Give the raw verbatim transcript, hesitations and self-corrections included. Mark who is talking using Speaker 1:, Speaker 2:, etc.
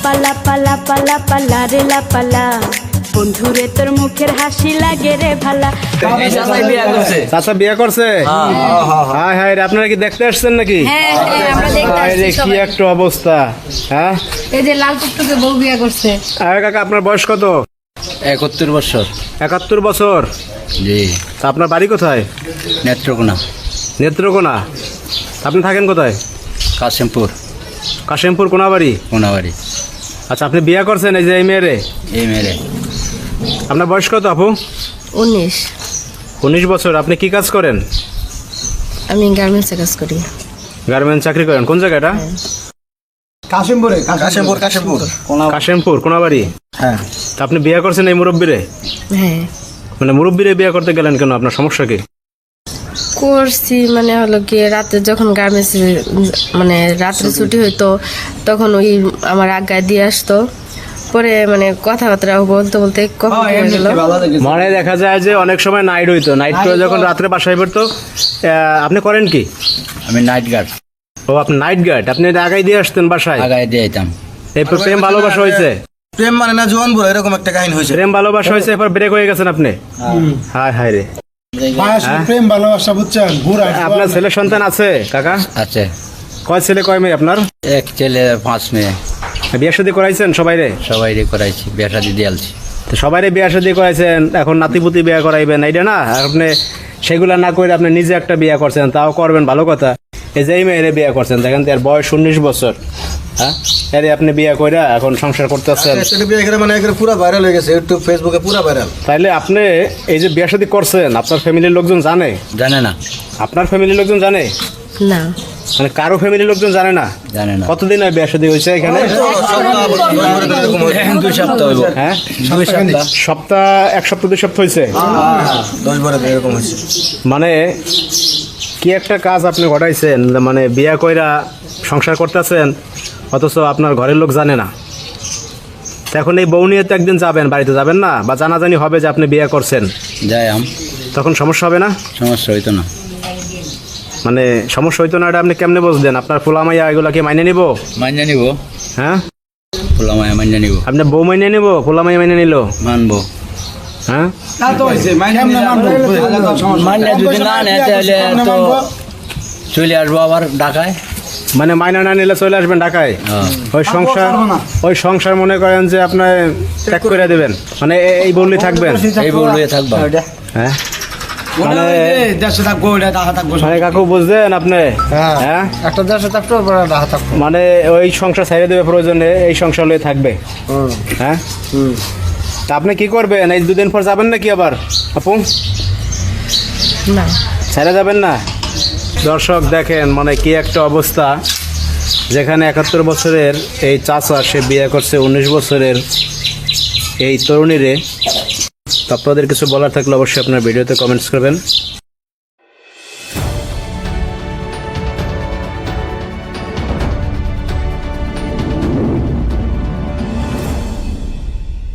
Speaker 1: পালা পালা পালা পালা রে লা পালা বন্ধুরে তোর মুখের হাসি লাগে রে ভালা।
Speaker 2: চাচা বিয়ে করছে? হাই হাই রে, আপনারা কি দেখতে আসছেন নাকি?
Speaker 3: হ্যাঁ হ্যাঁ আমরা দেখতে
Speaker 2: হাই রে,
Speaker 3: আসছি
Speaker 2: কি
Speaker 3: সবাই।
Speaker 2: একটা অবস্থা। হ্যাঁ,
Speaker 3: এই যে লাল টুকটুকে বউ বিয়ে করছে।
Speaker 2: আরে কাকা, আপনার বয়স কত?
Speaker 4: একাত্তর বছর।
Speaker 2: একাত্তর বছর?
Speaker 4: জি।
Speaker 2: তা আপনার বাড়ি কোথায়?
Speaker 4: নেত্রকোনা।
Speaker 2: নেত্রকোনা? আপনি থাকেন কোথায়?
Speaker 4: কাশিমপুর।
Speaker 2: কাশিমপুর কোনাবাড়ি?
Speaker 4: কোনাবাড়ি।
Speaker 2: আচ্ছা, আপনি বিয়ে করছেন এই যে এই মেয়েরে?
Speaker 4: এই মেরে
Speaker 2: আপনার বয়স কত আপু?
Speaker 3: উনিশ।
Speaker 2: উনিশ বছর। আপনি কি কাজ করেন?
Speaker 3: আমি গার্মেন্টসে কাজ করি।
Speaker 2: গার্মেন্টস চাকরি করেন? কোন জায়গাটা?
Speaker 5: কাশিমপুরে। কাশিমপুর কাশিমপুর
Speaker 2: কাশিমপুর কোনাবাড়ি?
Speaker 5: হ্যাঁ।
Speaker 2: তা আপনি বিয়ে করছেন এই মুরব্বীরে?
Speaker 3: হ্যাঁ
Speaker 2: মানে মুরব্বীরে বিয়ে করতে গেলেন কেন? আপনার সমস্যা কি?
Speaker 3: করছি মানে হলো কি রাতে যখন গার্মেন্টস মানে রাত্রে ছুটি হইতো তখন ওই আমার আজ্ঞায় দিয়ে আসতো, পরে মানে কথাবার্তা বলতে বলতে কখন কি হয়ে গেল।
Speaker 2: মানে দেখা যায় যে অনেক সময় নাইট হইতো, নাইট করে যখন রাত্রে বাসায় পড়তো। আহ, আপনি করেন কি?
Speaker 4: আমি নাইট গার্ড।
Speaker 2: ও, আপনি নাইট গার্ড। আপনি এটা আগাই দিয়ে আসতেন বাসায়?
Speaker 4: আগায় দিয়ে যেতাম।
Speaker 2: এরপর প্রেম ভালোবাসা হয়েছে?
Speaker 5: প্রেম মানে না জোয়ান বুড়ো, এরকম একটা কাহিনী হয়েছে।
Speaker 2: প্রেম ভালোবাসা হয়েছে, এরপর ব্রেক হয়ে গেছেন আপনি? হায় হায় রে।
Speaker 5: প্রেম ভালোবাসা বুঝছেন, বুড়া।
Speaker 2: আপনার ছেলে সন্তান আছে কাকা?
Speaker 4: আছে।
Speaker 2: কয় ছেলে কয় মেয়ে আপনার?
Speaker 4: এক ছেলে পাঁচ মেয়ে।
Speaker 2: বিয়ে শাদী করাইছেন সবাই রে?
Speaker 4: সবাই রে করাইছি, বিয়ে শাদি দিয়ালছি।
Speaker 2: তো সবাই রে বিয়ে শাদী করাইছেন, এখন নাতিপুতি বিয়ে করাইবেন এইটা না? আর আপনি সেগুলা না করে আপনি নিজে একটা বিয়ে করছেন, তাও করবেন ভালো কথা। এই যে এই মেয়েরে বিয়ে করছেন, দেখেন তো এর বয়স উনিশ বছর। হ্যাঁ, এরে আপনি বিয়ে কইরা এখন সংসার করতেছেন।
Speaker 5: মানে পুরো ভাইরাল হয়ে গেছে, ইউটিউব ফেসবুকে পুরো ভাইরাল।
Speaker 2: তাইলে আপনি এই যে বিয়ে শাদী করছেন, আপনার ফ্যামিলির লোকজন জানে?
Speaker 4: জানে না।
Speaker 2: আপনার ফ্যামিলির লোকজন জানে?
Speaker 3: না
Speaker 2: মানে কারো ফ্যামিলির লোকজন জানে না?
Speaker 4: জানে না।
Speaker 2: কতদিন হয় বিয়ে শাদী হয়েছে এখানে?
Speaker 4: এখন দুই সপ্তাহ হইব।
Speaker 2: হ্যাঁ,
Speaker 4: দুই সপ্তাহ।
Speaker 2: সপ্তাহ এক সপ্তাহ দুই সপ্তাহ হয়েছে।
Speaker 5: দশ বারো দিন এরকম হয়েছে।
Speaker 2: মানে কি একটা কাজ আপনি ঘটাইছেন, মানে বিয়া কইরা সংসার করতেছেন, অথচ আপনার ঘরের লোক জানে না। তো এখন এই বউ নিয়ে তো একদিন যাবেন, বাড়িতে যাবেন না? বা জানাজানি হবে যে আপনি বিয়ে করছেন,
Speaker 4: যাই আম।
Speaker 2: তখন সমস্যা হবে না?
Speaker 4: সমস্যা হইতো না।
Speaker 2: মানে সমস্যা হইতো না, এটা আপনি কেমনে বুঝলেন? আপনার ফুলামাইয়া এগুলা কি মাইনে নিব?
Speaker 4: মাইনে নিব।
Speaker 2: হ্যাঁ,
Speaker 4: পোলামায় মাইনে নিব।
Speaker 2: আপনার বউ মাইনে নিব, ফুলামাইয়া মাইনে নিল?
Speaker 4: মানবো।
Speaker 2: হ্যাঁ,
Speaker 4: মাইনে যদি না নেয় তাহলে তো চলে আসবো আবার ঢাকায়।
Speaker 2: মানে মাইনা না নিলে চলে আসবেন ঢাকায়?
Speaker 4: হ্যাঁ।
Speaker 2: ওই সংসার ওই সংসার মনে করেন যে আপনার ত্যাগ করে দেবেন, মানে এ- এই বললেই থাকবেন?
Speaker 4: এই বলবে থাকবা।
Speaker 2: হ্যাঁ, মানে মানে কাকু বুঝলেন আপনি? হ্যাঁ,
Speaker 5: একটা দেশে থাকতো, ঢাকা থাকতো।
Speaker 2: মানে ওই সংসার ছেড়ে দেবে প্রয়োজনে, এই সংসার লয়ে থাকবে। হ্যাঁ, তা আপনি কি করবেন? এই দুদিন পর যাবেন নাকি আবার আপু?
Speaker 3: না
Speaker 2: ছেড়ে যাবেন না? দর্শক দেখেন, মানে কি একটা অবস্থা, যেখানে একাত্তর বছরের এই চাচা সে বিয়ে করছে উনিশ বছরের এই তরুণীরে। তো আপনাদের কিছু বলার থাকলে অবশ্যই আপনার ভিডিওতে কমেন্টস করবেন।